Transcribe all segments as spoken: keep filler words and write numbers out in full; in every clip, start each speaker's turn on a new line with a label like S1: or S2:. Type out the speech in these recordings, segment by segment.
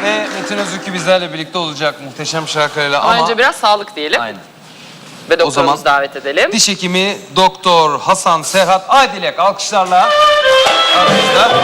S1: ve Metin Özükü bizlerle birlikte olacak muhteşem şarkılarıyla ama...
S2: Önce biraz sağlık diyelim.
S1: Aynen.
S2: Ve doktorumuzu davet edelim.
S1: Diş hekimi Doktor Hasan Serhat Aydilek alkışlarla aramızda.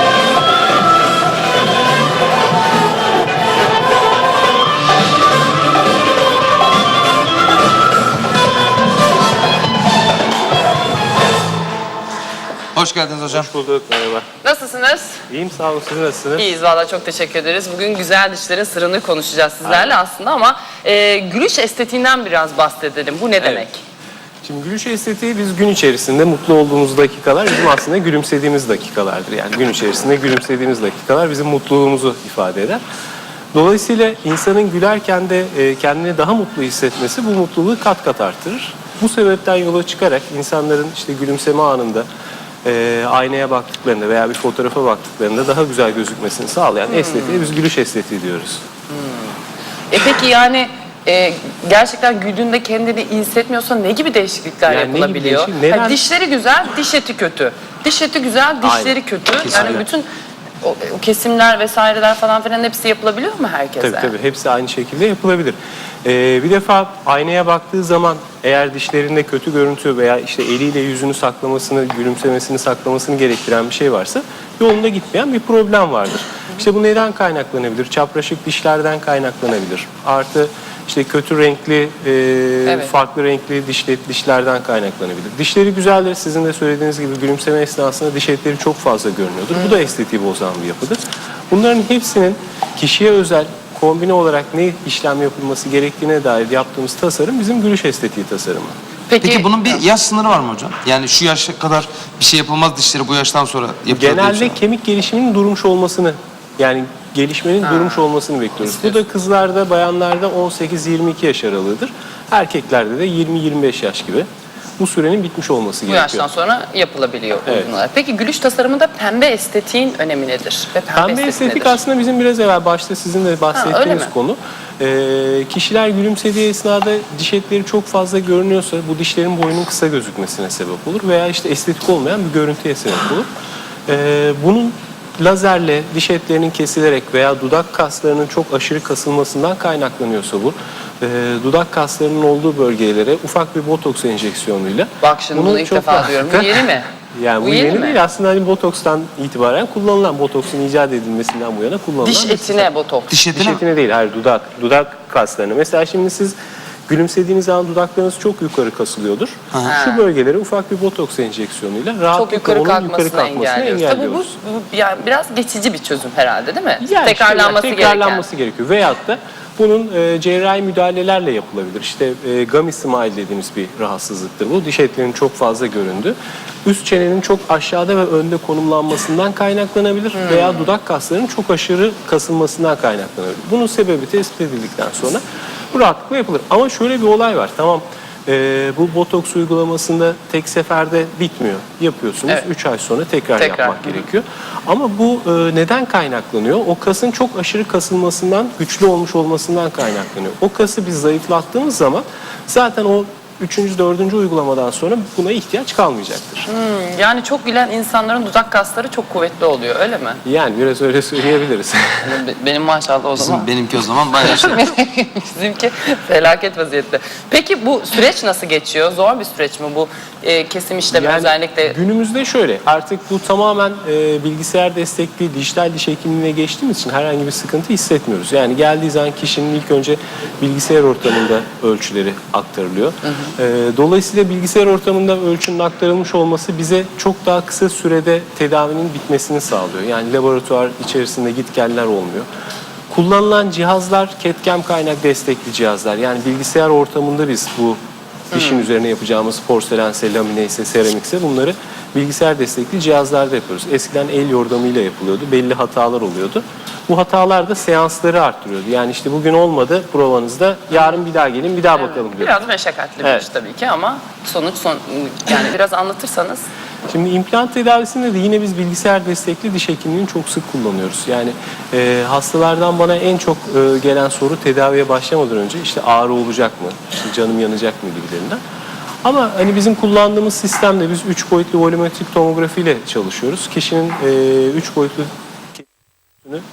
S1: Hoş geldiniz hocam.
S3: Hoş bulduk, merhaba.
S2: Nasılsınız?
S3: İyiyim, sağ olun. Siz nasılsınız?
S2: İyiyiz valla, çok teşekkür ederiz. Bugün güzel dişlerin sırrını konuşacağız sizlerle. Aynen. Aslında ama e, gülüş estetiğinden biraz bahsedelim. Bu ne
S3: Evet.
S2: demek?
S3: Şimdi gülüş estetiği biz gün içerisinde mutlu olduğumuz dakikalar bizim aslında gülümsediğimiz dakikalardır. Yani gün içerisinde gülümsediğimiz dakikalar bizim mutluluğumuzu ifade eder. Dolayısıyla insanın gülerken de e, kendini daha mutlu hissetmesi bu mutluluğu kat kat artırır. Bu sebepten yola çıkarak insanların işte gülümseme anında e, aynaya baktıklarında veya bir fotoğrafa baktıklarında daha güzel gözükmesini sağlayan hmm. estetiğe biz gülüş estetiği diyoruz.
S2: Hmm. E peki yani e, gerçekten güldüğünde kendini iyi hissetmiyorsa ne gibi değişiklikler yani yapılabiliyor?
S3: Değişik? Neden?
S2: Yani dişleri güzel, diş eti kötü. Diş eti güzel, dişleri Aynen. kötü.
S3: Kesinlikle.
S2: Yani bütün o, o kesimler vesaireler falan filan hepsi yapılabiliyor mu herkese?
S3: Tabii tabii, hepsi aynı şekilde yapılabilir. Ee, bir defa aynaya baktığı zaman eğer dişlerinde kötü görüntü veya işte eliyle yüzünü saklamasını, gülümsemesini saklamasını gerektiren bir şey varsa yolunda gitmeyen bir problem vardır. İşte bu neden kaynaklanabilir? Çapraşık dişlerden kaynaklanabilir. Artı işte kötü renkli, e, evet. farklı renkli dişle, dişlerden kaynaklanabilir. Dişleri güzeldir. Sizin de söylediğiniz gibi gülümseme esnasında diş etleri çok fazla görünüyordur. Bu da estetiği bozan bir yapıdır. Bunların hepsinin kişiye özel kombine olarak ne işlem yapılması gerektiğine dair yaptığımız tasarım bizim gülüş estetiği tasarımı.
S1: Peki, Peki bunun bir yaş sınırı var mı hocam? Yani şu yaşa kadar bir şey yapılmaz dişleri, bu yaştan sonra yapılır.
S3: Genelde kemik gelişiminin durmuş olmasını, yani gelişmenin ha. durmuş olmasını bekliyoruz. İstiyorsun. Bu da kızlarda, bayanlarda on sekiz yirmi iki yaş aralığıdır. Erkeklerde de yirmi yirmi beş yaş gibi. Bu sürenin bitmiş olması
S2: bu
S3: gerekiyor.
S2: Bu yaştan sonra yapılabiliyor.
S3: Evet.
S2: Peki gülüş tasarımında pembe estetiğin önemi nedir? Ve pembe,
S3: pembe estetik nedir? Aslında bizim biraz evvel başta sizin de bahsettiğiniz ha, konu. Ee, kişiler gülümsediği esnada diş etleri çok fazla görünüyorsa bu dişlerin boyunun kısa gözükmesine sebep olur. Veya işte estetik olmayan bir görüntüye sebep olur. Ee, bunun lazerle diş etlerinin kesilerek veya dudak kaslarının çok aşırı kasılmasından kaynaklanıyorsa bu, e, dudak kaslarının olduğu bölgelere ufak bir botoks enjeksiyonuyla.
S2: Bak şimdi bunu ilk defa rahatlıkla, diyorum. Bu yeni mi?
S3: Yani bu, bu yeni, yeni değil. Aslında hani botokstan itibaren kullanılan, botoksun icat edilmesinden bu yana kullanılan.
S2: Diş etine botoks.
S3: Diş etine, diş etine değil, hayır dudak, dudak kaslarına. Mesela şimdi siz gülümsediğiniz zaman dudaklarınız çok yukarı kasılıyordur. Ha. Şu bölgelere ufak bir botoks enjeksiyonuyla rahatlıkla yukarı onun yukarı kalkmasını engelliyoruz. engelliyoruz.
S2: Tabii bu, bu yani biraz geçici bir çözüm herhalde değil mi?
S3: Yani
S2: tekrarlanması,
S3: işte, yani tekrarlanması
S2: gereken.
S3: gerekiyor. Veyahut da bunun e, cerrahi müdahalelerle yapılabilir. İşte e, gummy smile dediğimiz bir rahatsızlıktır bu. Diş etlerinin çok fazla göründü. Üst çenenin çok aşağıda ve önde konumlanmasından kaynaklanabilir hmm. veya dudak kaslarının çok aşırı kasılmasından kaynaklanabilir. Bunun sebebi tespit edildikten sonra bu rahatlıkla yapılır. Ama şöyle bir olay var. Tamam, e, bu botoks uygulamasında tek seferde bitmiyor. Yapıyorsunuz. üç evet. ay sonra tekrar, tekrar yapmak Hı. gerekiyor. Ama bu e, neden kaynaklanıyor? O kasın çok aşırı kasılmasından, güçlü olmuş olmasından kaynaklanıyor. O kası biz zayıflattığımız zaman zaten o üçüncü, dördüncü uygulamadan sonra buna ihtiyaç kalmayacaktır.
S2: Hmm, yani çok gülen insanların dudak kasları çok kuvvetli oluyor, öyle mi?
S3: Yani biraz öyle söyleyebiliriz.
S2: Benim maşallah o zaman.
S1: Bizim, benimki o zaman bayağı şey.
S2: Bizimki felaket vaziyette. Peki bu süreç nasıl geçiyor? Zor bir süreç mi bu e, kesim işlemi yani özellikle?
S3: Günümüzde şöyle, artık bu tamamen e, bilgisayar destekli dijital diş hekimliğine geçtiğimiz için herhangi bir sıkıntı hissetmiyoruz. Yani geldiği zaman kişinin ilk önce bilgisayar ortamında ölçüleri aktarılıyor. Hı hı. Dolayısıyla bilgisayar ortamında ölçünün aktarılmış olması bize çok daha kısa sürede tedavinin bitmesini sağlıyor. Yani laboratuvar içerisinde gitgeller olmuyor. Kullanılan cihazlar C A D/C A M kaynak destekli cihazlar. Yani bilgisayar ortamında biz bu dişin hmm. üzerine yapacağımız porselense, lamineyse, seramikse bunları bilgisayar destekli cihazlarda yapıyoruz. Eskiden el yordamıyla yapılıyordu. Belli hatalar oluyordu. Bu hatalar da seansları arttırıyordu. Yani işte bugün olmadı provanızda, yarın bir daha gelin, bir daha evet. bakalım diyor.
S2: Biraz meşakkatli bir evet. iş tabii ki ama sonuç son, yani biraz anlatırsanız.
S3: Şimdi implant tedavisinde de yine biz bilgisayar destekli diş hekimliğini çok sık kullanıyoruz. Yani e, hastalardan bana en çok e, gelen soru tedaviye başlamadan önce işte ağrı olacak mı, işte canım yanacak mı gibilerinden. Ama hani bizim kullandığımız sistemde biz üç boyutlu volümetrik tomografi ile çalışıyoruz. Kişinin üç boyutlu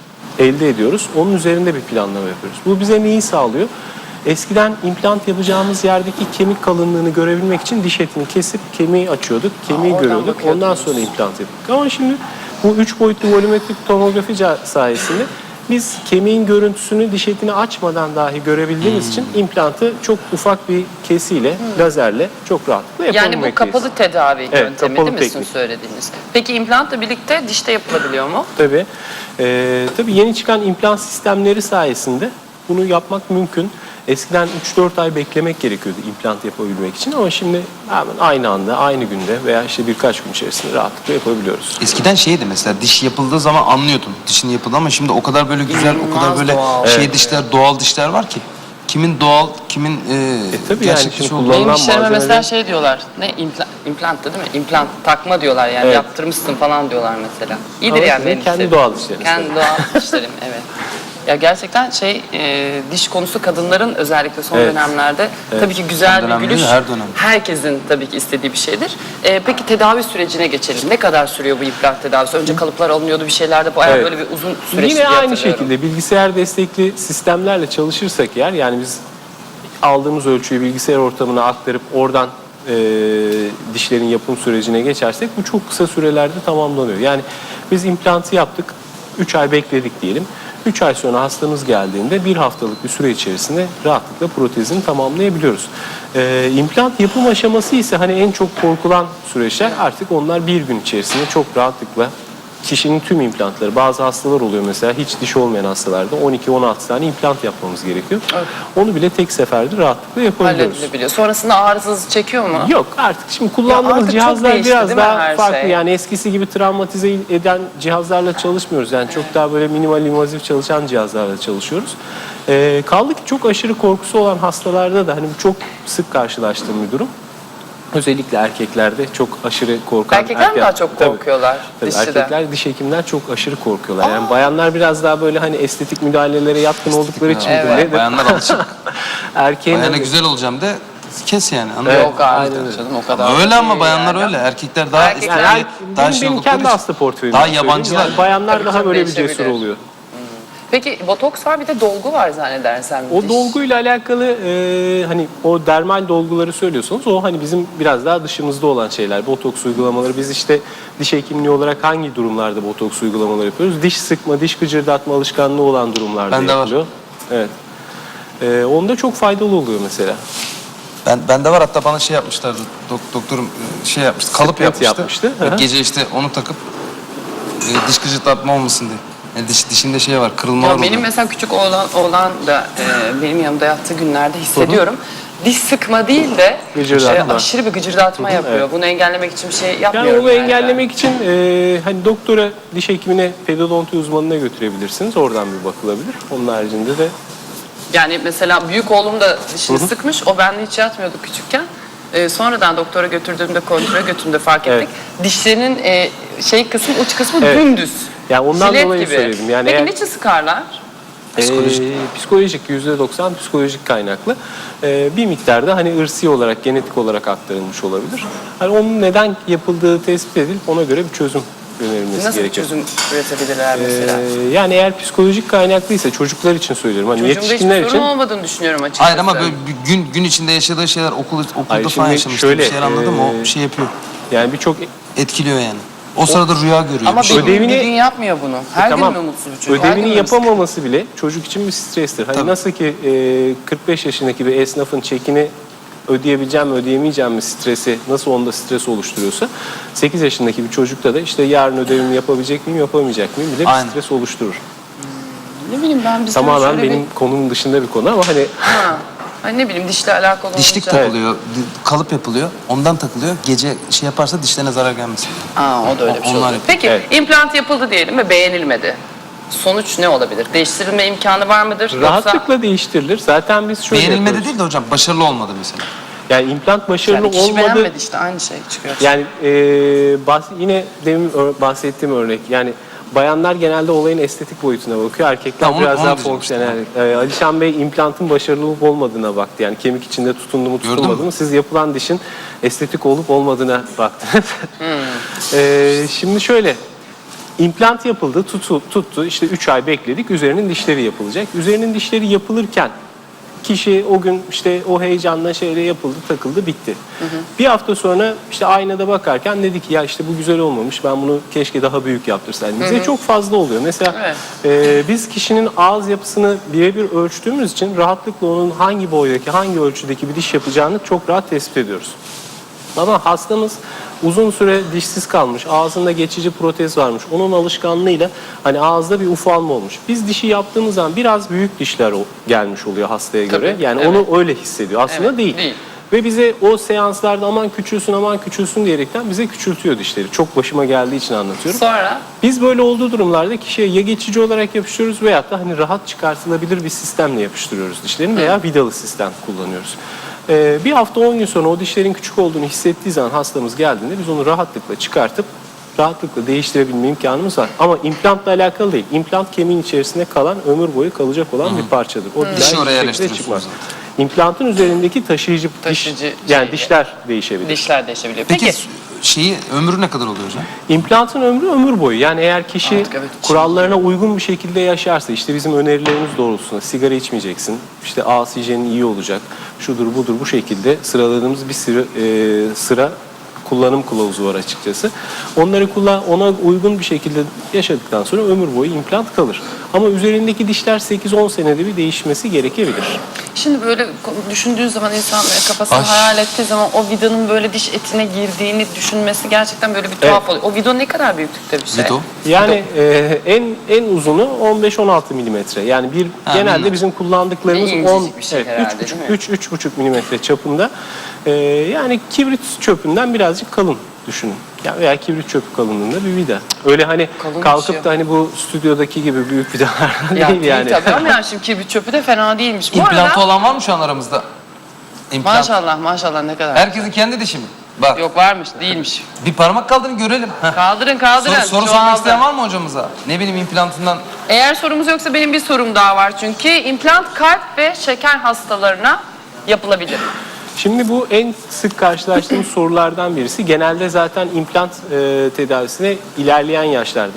S3: elde ediyoruz. Onun üzerinde bir planlama yapıyoruz. Bu bize neyi sağlıyor? Eskiden implant yapacağımız yerdeki kemik kalınlığını görebilmek için diş etini kesip kemiği açıyorduk, kemiği
S2: Aa, oradan
S3: görüyorduk. Ondan
S2: bakıyordunuz.
S3: sonra implant yapıyorduk. Ama şimdi bu üç boyutlu volümetrik tomografi sayesinde biz kemiğin görüntüsünü diş etini açmadan dahi görebildiğimiz için implantı çok ufak bir kesiyle, lazerle çok rahatlıkla
S2: Yani
S3: yapabilmekteyiz.
S2: bu kapalı tedavi
S3: Evet,
S2: yöntemi
S3: kapalı
S2: değil mi sizin
S3: teknik.
S2: söylediğiniz? Peki implantla birlikte dişte yapılabiliyor mu?
S3: Tabii. Ee, tabii yeni çıkan implant sistemleri sayesinde bunu yapmak mümkün. Eskiden üç dört ay beklemek gerekiyordu implant yapabilmek için ama şimdi hemen aynı anda, aynı günde veya işte birkaç gün içerisinde rahatlıkla yapabiliyoruz.
S1: Eskiden şeydi mesela diş yapıldığı zaman anlıyordun dişin yapıldı ama şimdi o kadar böyle güzel, o kadar
S2: İnanılmaz
S1: böyle
S2: doğal.
S1: şey
S3: Evet,
S1: dişler, doğal dişler var ki. Kimin doğal, kimin e,
S3: tabii yani
S1: gerçek
S3: şimdi
S1: diş olduğu.
S3: kullanılan-
S2: Benim dişlerime
S3: malzemeleri-
S2: mesela şey diyorlar, ne implant, implant değil mi? İmplant takma diyorlar yani
S3: Evet.
S2: yaptırmışsın falan diyorlar mesela. İyidir
S3: Ama
S2: yani
S3: sizin
S2: benim
S3: kendi
S2: dişlerim.
S3: doğal dişleriniz
S2: Kendi
S3: tabii.
S2: doğal dişlerim, evet. Ya gerçekten şey e, diş konusu kadınların özellikle son
S3: Evet.
S2: dönemlerde tabii ki güzel
S1: Son dönem
S2: bir
S1: değil,
S2: gülüş
S1: her dönem.
S2: herkesin tabii ki istediği bir şeydir. E, peki tedavi sürecine geçelim. Ne kadar sürüyor bu implant tedavisi? Önce kalıplar alınıyordu bir şeylerde bayağı
S3: Evet.
S2: böyle bir uzun süreçti
S3: Yine
S2: diye
S3: aynı
S2: hatırlıyorum.
S3: şekilde bilgisayar destekli sistemlerle çalışırsak eğer yani biz aldığımız ölçüyü bilgisayar ortamına aktarıp oradan e, dişlerin yapım sürecine geçersek bu çok kısa sürelerde tamamlanıyor. Yani biz implantı yaptık, üç ay bekledik diyelim. üç ay sonra hastamız geldiğinde bir haftalık bir süre içerisinde rahatlıkla protezini tamamlayabiliyoruz. E, implant yapım aşaması ise hani en çok korkulan süreçler artık onlar bir gün içerisinde çok rahatlıkla kişinin tüm implantları, bazı hastalar oluyor mesela hiç diş olmayan hastalarda on iki on altı tane implant yapmamız gerekiyor.
S2: Evet.
S3: Onu bile tek seferde rahatlıkla yapabiliyoruz.
S2: Halledilebiliyor. Sonrasında ağrısız çekiyor mu?
S3: Yok artık şimdi
S2: Ya
S3: kullandığımız
S2: artık çok
S3: cihazlar
S2: değişti,
S3: biraz
S2: değil mi
S3: daha
S2: her
S3: farklı.
S2: şey?
S3: Yani eskisi gibi travmatize eden cihazlarla çalışmıyoruz. Yani çok daha böyle minimal invazif çalışan cihazlarla çalışıyoruz. Ee, kaldı ki çok aşırı korkusu olan hastalarda da hani bu çok sık karşılaştığım bir durum. Özellikle erkeklerde çok aşırı korkan.
S2: Erkekler mi
S3: erkek-
S2: daha çok
S3: Tabii.
S2: korkuyorlar
S3: Tabii
S2: dişçiden?
S3: erkekler diş hekimler çok aşırı korkuyorlar. Yani bayanlar biraz daha böyle hani estetik müdahalelere yatkın oldukları için
S2: Evet.
S3: midir nedir?
S1: Bayanlar alışık.
S3: Erkeğin
S1: Bayana
S3: hani-
S1: güzel olacağım de kes yani. anladın mı?
S3: Evet,
S2: Yok artık
S3: aynen öyle.
S2: canım o kadar.
S1: Ama öyle
S2: değil
S1: ama bayanlar
S2: yani.
S1: öyle. Erkekler daha
S2: Erkekler-
S1: estetik,
S3: Yani
S1: daha
S3: benim,
S1: şey
S3: benim
S1: oldukları
S3: kendi
S1: için
S3: hasta portföyümden
S1: daha
S3: söyleyeyim.
S1: yabancılar.
S3: Yani bayanlar
S2: Tabii
S3: daha
S2: çok
S3: böyle bir
S2: değişebilir.
S3: cesur oluyor.
S2: Peki botoks var bir de dolgu var zannedersem.
S3: O
S2: diş.
S3: dolguyla alakalı e, hani o dermal dolguları söylüyorsunuz. O hani bizim biraz daha dışımızda olan şeyler. Botoks uygulamaları. Biz işte diş hekimliği olarak hangi durumlarda botoks uygulamaları yapıyoruz? Diş sıkma, diş gıcırdatma alışkanlığı olan durumlarda
S1: Bende var.
S3: yapılıyor. Evet. E, onda çok faydalı oluyor mesela.
S1: Ben bende var hatta bana şey yapmışlardı. Dok, doktorum e, şey yapmıştı. Kalıp
S3: Stent
S1: yapmıştı.
S3: yapmıştı, hı hı.
S1: Gece işte onu takıp e, diş gıcırdatma olmasın diye. Yani diş, dişinde şey var, kırılmalar
S2: Ya
S1: oluyor.
S2: benim mesela küçük oğlan, oğlan da e, benim yanımda yattığı günlerde hissediyorum. Diş sıkma değil de
S3: Gıcırdatma.
S2: e, aşırı bir gıcırdatma yapıyor.
S3: evet.
S2: Bunu engellemek için bir şey
S3: Yani
S2: yapmıyorum.
S3: onu engellemek için e, hani doktora, diş hekimine, pedodonti uzmanına götürebilirsiniz. Oradan bir bakılabilir. Onun haricinde de
S2: Yani mesela büyük oğlum da dişini sıkmış. O bende hiç yatmıyordu küçükken. Ee, sonradan doktora götürdüğümde, kontrole götürdüğümde fark ettik. Dişlerinin e, şey kısmı, uç kısmı
S3: Evet.
S2: dümdüz.
S3: Yani ondan
S2: Jilet
S3: dolayı
S2: gibi.
S3: söyledim. Yani
S2: Peki
S3: eğer-
S2: niçin sıkarlar?
S1: Psikolojik.
S3: Ee, psikolojik yüzde doksan psikolojik kaynaklı. Ee, bir miktarda hani ırsi olarak, genetik olarak aktarılmış olabilir. Hani onun neden yapıldığı tespit edilip ona göre bir çözüm önerilmesi
S2: Nasıl bir
S3: gerekiyor.
S2: çözüm üretebilirler mesela?
S3: Ee, yani eğer psikolojik kaynaklıysa çocuklar için söylüyorum. Hani
S2: Çocuğumda hiçbir
S3: yetişkinler
S2: sorun
S3: için.
S2: olmadığını düşünüyorum açıkçası.
S1: Hayır ama böyle bir gün gün içinde yaşadığı şeyler okul okulda
S3: Hayır,
S1: falan
S3: şimdi
S1: yaşamıştı.
S3: şöyle,
S1: bir şeyler anladım o
S3: e,
S1: şey yapıyor.
S3: Yani birçok
S1: Etkiliyor yani. O sırada rüya görüyor.
S2: Ama
S1: bir şey.
S2: bir, gün,
S3: Ödevini-
S2: bir gün yapmıyor bunu. Her
S3: tamam.
S2: gün mü mutsuz bir çocuk? Her gün
S3: Ödevini
S2: mü sıkıntı?
S3: yapamaması bile çocuk için bir strestir. Hani
S1: Tabii.
S3: nasıl ki e, kırk beş yaşındaki bir esnafın çekini ödeyebileceğim mi ödeyemeyeceğim mi stresi nasıl onda stres oluşturuyorsa sekiz yaşındaki bir çocukta da işte yarın ödevimi yapabilecek miyim yapamayacak mıyım bile bir
S1: Aynen.
S3: stres oluşturur.
S2: Ne bileyim ben bir sürü
S3: Tamamen
S2: şöyle
S3: benim
S2: bir...
S3: konunun dışında bir konu ama hani
S2: Ha. Hani ne bileyim dişle alakalı
S1: Dişlik
S2: olunca...
S1: takılıyor, di- kalıp yapılıyor. Ondan takılıyor. Gece şey yaparsa dişlerine zarar gelmesin.
S2: Aa, o da öyle bir şey
S1: Onlar
S2: oluyor.
S1: yapıyor.
S2: Peki
S3: Evet.
S2: implant yapıldı diyelim ve beğenilmedi. Sonuç ne olabilir? Değiştirilme imkanı var mıdır? Yoksa
S3: rahatlıkla değiştirilir. Zaten biz şöyle
S1: Beğenilmedi
S3: yapıyoruz.
S1: değil de hocam başarılı olmadı mesela.
S3: Yani implant başarılı
S2: yani kişi
S3: olmadı.
S2: beğenmedi işte aynı şey çıkıyor.
S3: Yani e, bahs- yine demin ö- bahsettiğim örnek yani bayanlar genelde olayın estetik boyutuna bakıyor. Erkekler
S1: Tamam, onu-
S3: biraz
S1: onu
S3: daha
S1: diyeceğim
S3: fonksiyonel. E, Alişan Bey implantın başarılı olup olmadığına baktı. Yani kemik içinde tutundu mu
S1: Gördün
S3: tutulmadı
S1: mü?
S3: mı? Siz yapılan dişin estetik olup olmadığına baktınız.
S2: Hmm.
S3: E, şimdi şöyle İmplant yapıldı, tutu, tuttu. İşte üç ay bekledik. Üzerinin dişleri yapılacak. Üzerinin dişleri yapılırken kişi o gün işte o heyecanla şeyle yapıldı, takıldı, bitti. Hı hı. Bir hafta sonra işte aynada bakarken dedi ki ya işte bu güzel olmamış. Ben bunu keşke daha büyük yaptırsaydım. Bize hı hı. çok fazla oluyor. Mesela evet. e, biz kişinin ağız yapısını birebir ölçtüğümüz için rahatlıkla onun hangi boydaki, hangi ölçüdeki bir diş yapacağını çok rahat tespit ediyoruz. Ama hastamız uzun süre dişsiz kalmış, ağzında geçici protez varmış. Onun alışkanlığıyla hani ağızda bir ufalma olmuş. Biz dişi yaptığımız zaman biraz büyük dişler gelmiş oluyor hastaya göre.
S2: Tabii,
S3: yani
S2: evet.
S3: onu öyle hissediyor. Aslında
S2: evet,
S3: değil.
S2: değil.
S3: Ve bize o seanslarda aman küçülsün aman küçülsün diyerekten bize küçültüyor dişleri. Çok başıma geldiği için anlatıyorum.
S2: Sonra?
S3: Biz böyle olduğu durumlarda kişiye ya geçici olarak yapıştırıyoruz veyahut da hani rahat çıkartılabilir bir sistemle yapıştırıyoruz dişlerini veya vidalı sistem kullanıyoruz. Ee, bir hafta on gün sonra o dişlerin küçük olduğunu hissettiği zaman hastamız geldiğinde biz onu rahatlıkla çıkartıp rahatlıkla değiştirebilme imkanımız var. Ama implantla alakalı değil. İmplant kemiğin içerisinde kalan, ömür boyu kalacak olan Hı-hı. bir parçadır. O
S1: Dişi oraya
S3: bir şekilde çıkmaz.
S1: zaten.
S3: İmplantın üzerindeki taşıyıcı,
S2: taşıyıcı
S3: diş, yani
S2: şey,
S3: dişler değişebilir.
S2: Dişler değişebilir.
S1: Peki,
S2: Peki
S1: şeyi ömrü ne kadar oluyor hocam?
S3: İmplantın ömrü ömür boyu. Yani eğer kişi
S2: Artık evet,
S3: kurallarına uygun bir şekilde yaşarsa, işte bizim önerilerimiz doğrultusunda sigara içmeyeceksin, işte ağız hijyenin iyi olacak, şudur budur bu şekilde sıraladığımız bir sıra, e, sıra kullanım kılavuzu var açıkçası. Onları kullan, ona uygun bir şekilde yaşadıktan sonra ömür boyu implant kalır. Ama üzerindeki dişler sekiz on senede bir değişmesi gerekebilir.
S2: Şimdi böyle düşündüğü zaman insan kafasını
S1: Ay.
S2: hayal ettiği zaman o vidanın böyle diş etine girdiğini düşünmesi gerçekten böyle bir tuhaf
S3: Evet.
S2: oluyor. O vida ne kadar büyüklükte bir şey?
S1: Vito?
S3: Yani e, en en uzunu on beş on altı milimetre. Yani bir
S1: Ha,
S3: genelde
S1: bilmem.
S3: bizim kullandıklarımız
S2: Ne
S3: on
S2: incecik bir şey herhalde, değil mi?
S3: üç üç buçuk milimetre çapında. E, yani kibrit çöpünden birazcık kalın düşünün. Ya veya kibrit çöpü kalınlığında bir vida. Öyle hani
S2: Kalın
S3: kalkıp
S2: şey.
S3: da hani bu stüdyodaki gibi büyük vidalar
S2: Ya
S3: değil yani.
S2: Tabii ama yani şimdi kibrit çöpü de fena değilmiş. Bu
S1: İmplantı
S2: arada
S1: olan var mı şu an aramızda? İmplant.
S2: maşallah maşallah ne kadar.
S1: Herkesin kendi dişi mi? Bak.
S2: Yok varmış değilmiş.
S1: Bir parmak kaldırın görelim. Heh.
S2: Kaldırın kaldırın.
S1: Soru, soru
S2: Çoğaldı.
S1: sormak isteyen var mı hocamıza? Ne bileyim implantından.
S2: Eğer sorumuz yoksa benim bir sorum daha var çünkü. İmplant kalp ve şeker hastalarına yapılabilir.
S3: Şimdi bu en sık karşılaştığımız sorulardan birisi. Genelde zaten implant e, tedavisine ilerleyen yaşlarda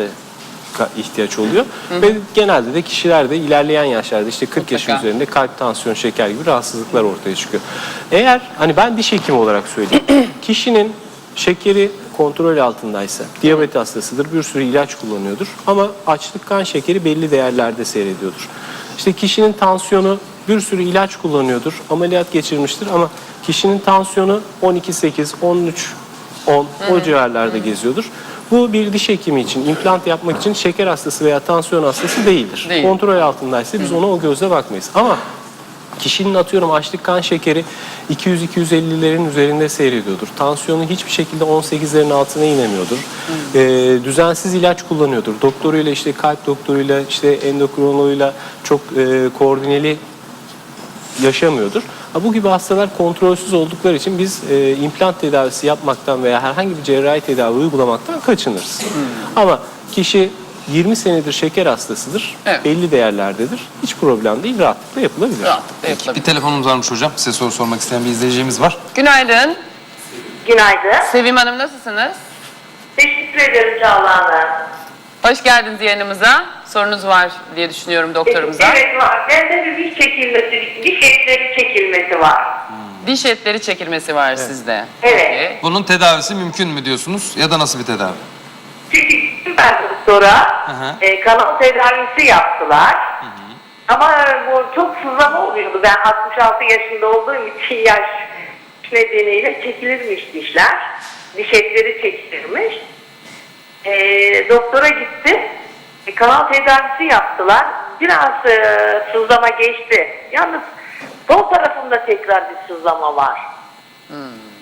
S3: ihtiyaç oluyor. Hı hı. Ve genelde de kişilerde ilerleyen yaşlarda işte kırk yaş üzerinde kalp, tansiyon, şeker gibi rahatsızlıklar ortaya çıkıyor. Eğer hani ben diş hekimi olarak söyleyeyim. Kişinin şekeri kontrol altındaysa, diyabet hastasıdır, bir sürü ilaç kullanıyordur ama açlık kan şekeri belli değerlerde seyrediyordur. İşte kişinin tansiyonu bir sürü ilaç kullanıyordur, ameliyat geçirmiştir ama kişinin tansiyonu on iki sekiz, on üç on o civarlarda geziyordur. Bu bir diş hekimi için, implant yapmak için şeker hastası veya tansiyon hastası değildir. Değil. Kontrol altındaysa biz ona o gözle bakmayız. Ama kişinin atıyorum açlık kan şekeri iki yüz iki yüz ellilerin üzerinde seyrediyordur. Tansiyonu hiçbir şekilde on sekizlerin altına inemiyordur. Ee, düzensiz ilaç kullanıyordur. Doktoruyla işte kalp doktoruyla işte endokrinoloğuyla çok e, koordineli yaşamıyordur. Ha, bu gibi hastalar kontrolsüz oldukları için biz e, implant tedavisi yapmaktan veya herhangi bir cerrahi tedavi uygulamaktan kaçınırız. Hmm. Ama kişi yirmi senedir şeker hastasıdır, evet. belli değerlerdedir. Hiç problem değil, rahatlıkla yapılabilir.
S2: Rahatlıkla yapılabilir.
S1: Bir telefonumuz varmış hocam. Size soru sormak isteyen bir izleyicimiz var.
S2: Günaydın.
S4: Günaydın.
S2: Sevim Hanım nasılsınız?
S4: Teşekkür ederim Çağla Hanım.
S2: Hoş geldiniz yayınımıza. Sorunuz var diye düşünüyorum doktorumuza.
S4: Evet var. Bende bir diş çekilmesi, diş etleri çekilmesi var.
S2: Hmm. Diş etleri çekilmesi var evet. sizde.
S4: Evet.
S2: Peki.
S1: Bunun tedavisi mümkün mü diyorsunuz ya da nasıl bir tedavi?
S4: Çünkü ben doktora e, kanal tedavisi yaptılar. Hı hı. Ama bu çok sızlama oluyordu. Ben altmış altı yaşında olduğum için yaş nedeniyle çekilirmiş dişler. Diş etleri çekilirmiş. E, doktora gittim. E, kanal tedavisi yaptılar. Biraz e, sızlama geçti. Yalnız sol tarafımda tekrar bir sızlama var.
S2: Hmm.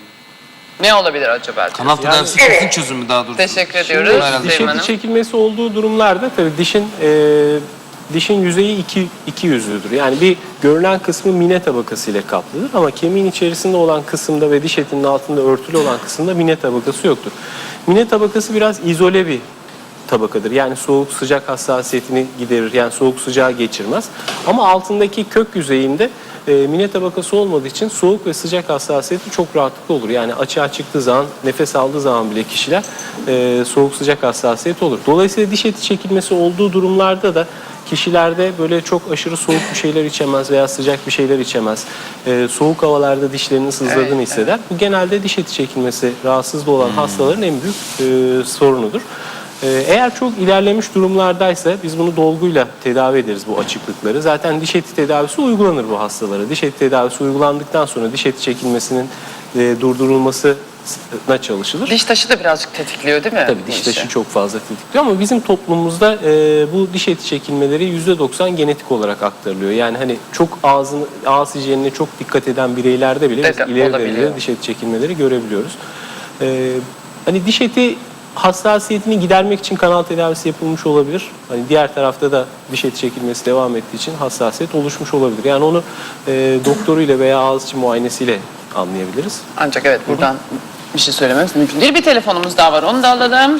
S2: Ne olabilir acaba?
S1: Kanal tedavisi
S4: yani,
S1: kesin
S4: evet.
S1: çözümü daha doğrusu.
S2: Teşekkür ediyoruz.
S3: Şimdi diş eti çekilmesi olduğu durumlarda tabii dişin e, dişin yüzeyi iki, iki yüzlüdür. Yani bir görünen kısmı mine tabakası ile kaplıdır ama kemiğin içerisinde olan kısımda ve diş etinin altında örtülü olan kısımda mine tabakası yoktur. Mine tabakası biraz izole bir tabakadır. Yani soğuk sıcak hassasiyetini giderir. Yani soğuk sıcağı geçirmez. Ama altındaki kök yüzeyinde e, mine tabakası olmadığı için soğuk ve sıcak hassasiyeti çok rahatlıkla olur. Yani açığa çıktığı zaman, nefes aldığı zaman bile kişiler e, soğuk sıcak hassasiyeti olur. Dolayısıyla diş eti çekilmesi olduğu durumlarda da kişilerde böyle çok aşırı soğuk bir şeyler içemez veya sıcak bir şeyler içemez. Ee, soğuk havalarda dişlerinin sızladığını
S2: Evet,
S3: hisseder. Bu genelde diş eti çekilmesi rahatsızlığı olan hastaların en büyük e, sorunudur. Ee, eğer çok ilerlemiş durumlardaysa biz bunu dolguyla tedavi ederiz bu açıklıkları. Zaten diş eti tedavisi uygulanır bu hastalara. Diş eti tedavisi uygulandıktan sonra diş eti çekilmesinin e, durdurulması na çalışılır.
S2: Diş taşı da birazcık tetikliyor değil mi?
S3: Tabii
S2: bu
S3: diş
S2: işi?
S3: taşı çok fazla tetikliyor ama bizim toplumumuzda e, bu diş eti çekilmeleri yüzde doksan genetik olarak aktarılıyor. Yani hani çok ağzını, ağız hijyenine çok dikkat eden bireylerde bile biz
S2: Evet,
S3: ileri
S2: olabiliyor.
S3: derecede diş eti çekilmeleri görebiliyoruz. E, hani diş eti hassasiyetini gidermek için kanal tedavisi yapılmış olabilir. Hani diğer tarafta da diş eti çekilmesi devam ettiği için hassasiyet oluşmuş olabilir. Yani onu e, doktoruyla veya ağız içi muayenesiyle anlayabiliriz.
S2: Ancak evet buradan bir şey söylememiz mümkün değil. Bir telefonumuz daha var, onu da alalım.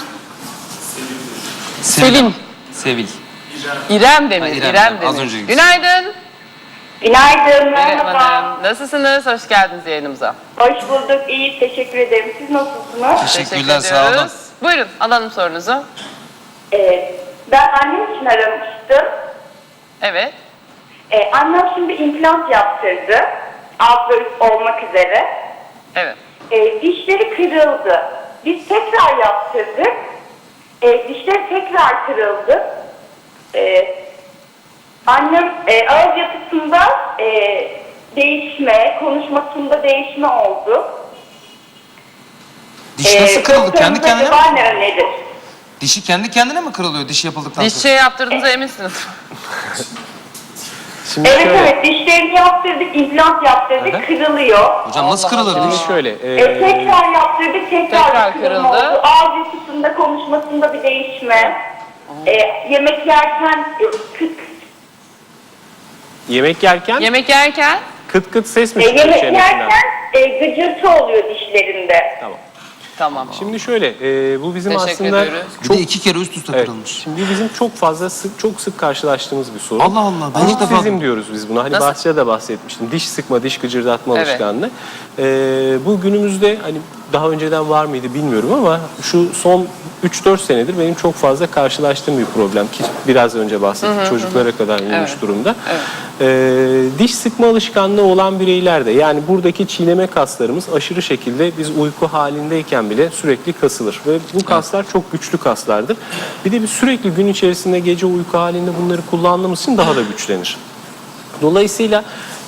S2: Selin.
S1: Sevil.
S2: İrem Demir,
S1: Ha, İrem
S2: İrem
S1: Demir. Az
S2: Demir.
S1: önce
S2: Günaydın.
S4: Günaydın,
S2: Merhaba.
S4: merhaba.
S2: Nasılsınız? Hoş geldiniz yayınımıza.
S4: Hoş bulduk, iyi, teşekkür ederim. Siz nasılsınız?
S1: Teşekkürler,
S2: Teşekkür
S1: sağ olun.
S2: ediyoruz. Buyurun, alalım sorunuzu.
S4: Ee, ben annem için aramıştım.
S2: Evet.
S4: Ee, annem şimdi implant yaptırdı. Alt ve üst olmak üzere.
S2: Evet.
S4: Ee, dişleri kırıldı. Biz tekrar yaptırdık. Ee, dişleri tekrar kırıldı. Ee, annem e, ağız yapısında e, değişme, konuşmasında değişme oldu.
S1: Diş nasıl
S4: Ee,
S1: kırıldı? Kendi
S4: doktorumuz
S1: kendine mi?
S4: acaba ne öneridir?
S1: Dişi kendi kendine mi kırılıyor diş yapıldıktan
S2: Diş
S1: sonra?
S2: şey yaptırdığınıza eminsiniz.
S3: Şimdi
S4: Evet
S3: şöyle,
S4: evet, dişlerini yaptırdık, implant yaptırdık,
S3: Aha.
S4: kırılıyor.
S1: Hocam nasıl
S2: Allah
S1: kırılır
S2: Allah.
S1: diş?
S3: şimdi şöyle
S4: E,
S3: e,
S4: tekrar yaptırdık, tekrar,
S2: Tekrar
S4: bir kırılma
S2: kırıldı.
S4: oldu. Ağız yapısında, konuşmasında bir değişme. E, yemek yerken e, kıt
S3: yemek yerken
S2: Yemek yerken
S3: kıt kıt ses mi
S4: e,
S3: çıkıyor
S4: yemek
S3: çenesinden?
S4: yerken e, gıcırtı oluyor dişlerinde.
S3: Tamam.
S2: tamam.
S3: Şimdi şöyle, e, bu bizim
S2: Teşekkür
S3: aslında
S2: ediyoruz.
S1: Bir
S3: çok
S1: de iki kere üst üste
S3: evet,
S1: kırılmış.
S3: şimdi bizim çok fazla sık çok sık karşılaştığımız bir sorun.
S1: Allah Allah, ben ilk defa
S3: Bruxizm
S1: duydum.
S3: diyoruz biz buna. Hani
S2: Nasıl?
S3: bahçede de bahsetmiştim. Diş sıkma, diş gıcırdatma
S2: Evet.
S3: alışkanlığı. E, bu günümüzde hani daha önceden var mıydı bilmiyorum ama şu son üç dört senedir benim çok fazla karşılaştığım bir problem ki biraz önce bahsettik. Çocuklara kadar inmiş
S2: Evet.
S3: durumda. E, diş sıkma alışkanlığı olan bireylerde yani buradaki çiğneme kaslarımız aşırı şekilde biz uyku halindeyken bile sürekli kasılır ve bu kaslar çok güçlü kaslardır. Bir de biz sürekli gün içerisinde gece uyku halinde bunları kullandığımız için daha da güçlenir. Dolayısıyla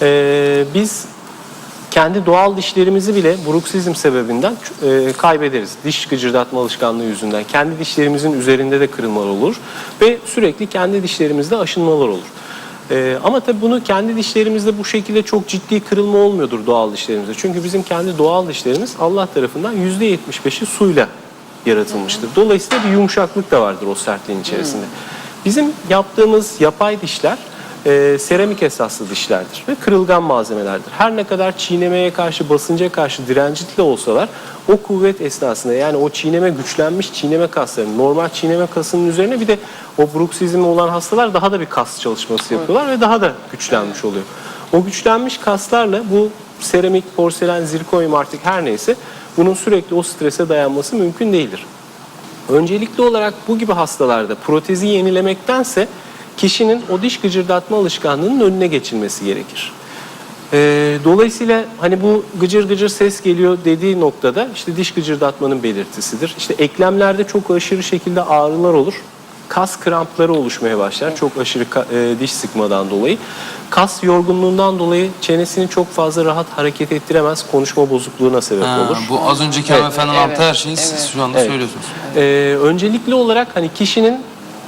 S3: e, biz kendi doğal dişlerimizi bile bruksizm sebebinden e, kaybederiz. Diş gıcırdatma alışkanlığı yüzünden. Kendi dişlerimizin üzerinde de kırılmalar olur ve sürekli kendi dişlerimizde aşınmalar olur. E, ama tabii bunu kendi dişlerimizde bu şekilde çok ciddi kırılma olmuyordur doğal dişlerimizde. Çünkü bizim kendi doğal dişlerimiz Allah tarafından yüzde yetmiş beşi suyla yaratılmıştır. Dolayısıyla bir yumuşaklık da vardır o sertliğin içerisinde. Bizim yaptığımız yapay dişler e, seramik esaslı dişlerdir ve kırılgan malzemelerdir. Her ne kadar çiğnemeye karşı, basınca karşı direncitli olsalar o kuvvet esnasında yani o çiğneme güçlenmiş çiğneme kaslarının normal çiğneme kasının üzerine bir de o bruksizmi olan hastalar daha da bir kas çalışması yapıyorlar ve daha da güçlenmiş oluyor. O güçlenmiş kaslarla bu seramik, porselen, zirkonyum artık her neyse bunun sürekli o strese dayanması mümkün değildir. Öncelikli olarak bu gibi hastalarda protezi yenilemektense kişinin o diş gıcırdatma alışkanlığının önüne geçilmesi gerekir. Ee, dolayısıyla hani bu gıcır gıcır ses geliyor dediği noktada işte diş gıcırdatmanın belirtisidir. İşte eklemlerde çok aşırı şekilde ağrılar olur. Kas krampları oluşmaya başlar çok aşırı ka- e, diş sıkmadan dolayı. Kas yorgunluğundan dolayı çenesini çok fazla rahat hareket ettiremez, konuşma bozukluğuna sebep
S1: Ha,
S3: olur.
S1: bu az önceki hanımefendinin
S2: Evet,
S1: anlattığı her şeyi
S2: evet.
S1: siz şu anda
S3: Evet.
S1: söylüyorsunuz.
S3: Ee, öncelikli olarak hani kişinin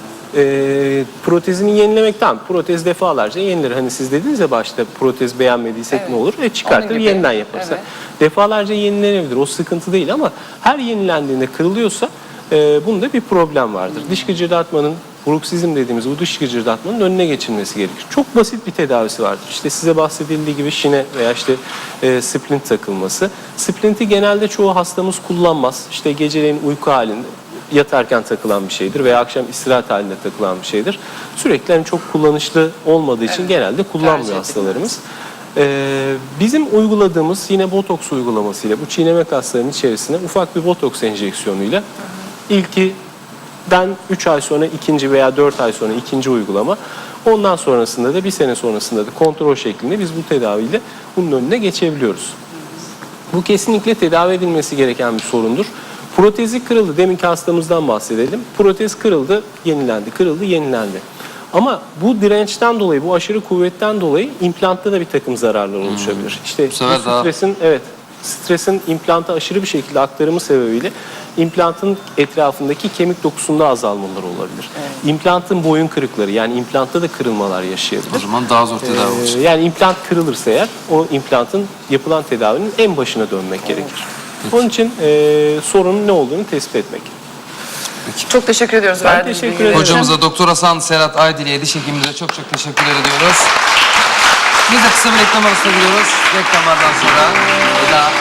S3: e, protezini yenilemek tamam. Protez defalarca yenilir. Hani siz dediniz ya başta protez beğenmediysek
S2: Evet.
S3: ne olur? E çıkartır
S2: Onun gibi.
S3: yeniden yaparsa.
S2: Evet.
S3: Defalarca yenilenebilir. O sıkıntı değil ama her yenilendiğinde kırılıyorsa e, bunda bir problem vardır. Diş gıcırdatmanın bruksizm dediğimiz bu diş gıcırdatmanın önüne geçilmesi gerekir. Çok basit bir tedavisi vardır. İşte size bahsedildiği gibi şine veya işte e, splint takılması. Splinti genelde çoğu hastamız kullanmaz. İşte geceleyin uyku halinde yatarken takılan bir şeydir veya akşam istirahat halinde takılan bir şeydir. Sürekli hani çok kullanışlı olmadığı için
S2: Evet.
S3: genelde kullanmıyor
S2: Tercih
S3: hastalarımız. Ee, bizim uyguladığımız yine botoks uygulamasıyla bu çiğneme kaslarının içerisine ufak bir botoks enjeksiyonuyla ilkinden üç ay sonra ikinci veya dört ay sonra ikinci uygulama. Ondan sonrasında da bir sene sonrasında da kontrol şeklinde biz bu tedaviyle bunun önüne geçebiliyoruz. Bu kesinlikle tedavi edilmesi gereken bir sorundur. Protezi kırıldı. Deminki hastamızdan bahsedelim. Protez kırıldı, yenilendi, kırıldı, yenilendi. Ama bu dirençten dolayı, bu aşırı kuvvetten dolayı implantta da bir takım zararlar oluşabilir. İşte
S1: Bu sefer
S3: bu
S1: daha-
S3: stresin, evet, stresin implanta aşırı bir şekilde aktarımı sebebiyle implantın etrafındaki kemik dokusunda azalmalar olabilir. İmplantın boyun kırıkları, yani implantta da kırılmalar yaşayabilir.
S1: O zaman daha zor tedavi
S3: Ee,
S1: olacak.
S3: yani implant kırılırsa eğer o implantın yapılan tedavinin en başına dönmek gerekir. Onun için e, sorunun ne olduğunu tespit etmek.
S2: Çok teşekkür ediyoruz.
S3: Ben
S2: verdiğiniz
S3: teşekkür
S2: bilgiler
S3: ederim.
S2: için.
S1: Hocamıza Doktor Hasan Serhat Aydil'e diş hekimimize çok çok teşekkür ediyoruz. Biz de kısa bir reklam arasına gidiyoruz. Reklamlardan sonra veda.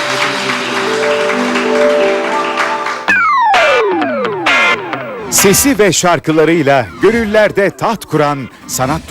S5: Sesi ve şarkılarıyla gönüllerde taht kuran sanat